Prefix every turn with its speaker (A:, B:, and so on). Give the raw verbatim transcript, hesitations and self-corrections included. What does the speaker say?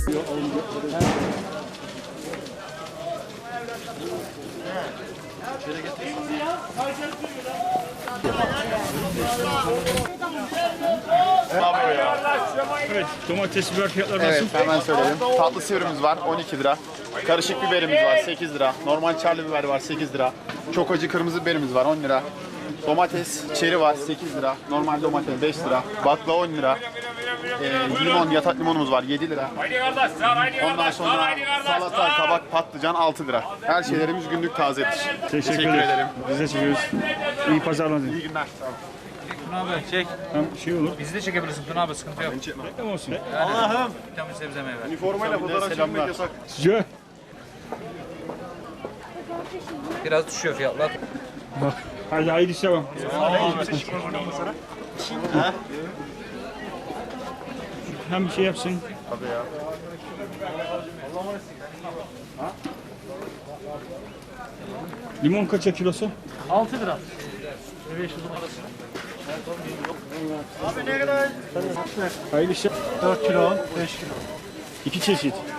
A: Evet, domates biber fiyatları nasıl?
B: Evet, hemen söyleyelim. Tatlı sivrimiz var on iki lira. Karışık biberimiz var sekiz lira. Normal çarlı biber var sekiz lira. Çok acı kırmızı biberimiz var on lira. Domates çeri var sekiz lira. Normal domates beş lira. Bakla on lira. Ee, limon, yatak limonumuz var yedi lira. Ondan sonra salata, kabak, patlıcan altı lira. Her şeylerimiz günlük tazedir.
A: Teşekkür,
B: Teşekkür
A: ederim.
B: ederim.
A: Biz de çekiyoruz. İyi pazarlar.
B: İyi günler. Sağ olun.
C: Tuna abi çek.
A: Hem şey olur.
C: Bizi de çekebilirsin Tuna abi, sıkıntı yok.
A: Reklam olsun.
C: Allah'ım. Vitamin sebze meyve.
B: Üniformayla fotoğraf çekmek yasak.
A: Sıcağı.
C: Biraz düşüyor fiyatlar.
A: Bak. Hadi haydi işe bak. Hem bir şey yapsın.
B: Tabii ya.
A: Limon kaça kilosu?
D: altı lira.
A: Hayırlı işler.
D: dört kilo, beş kilo.
A: İki çeşit.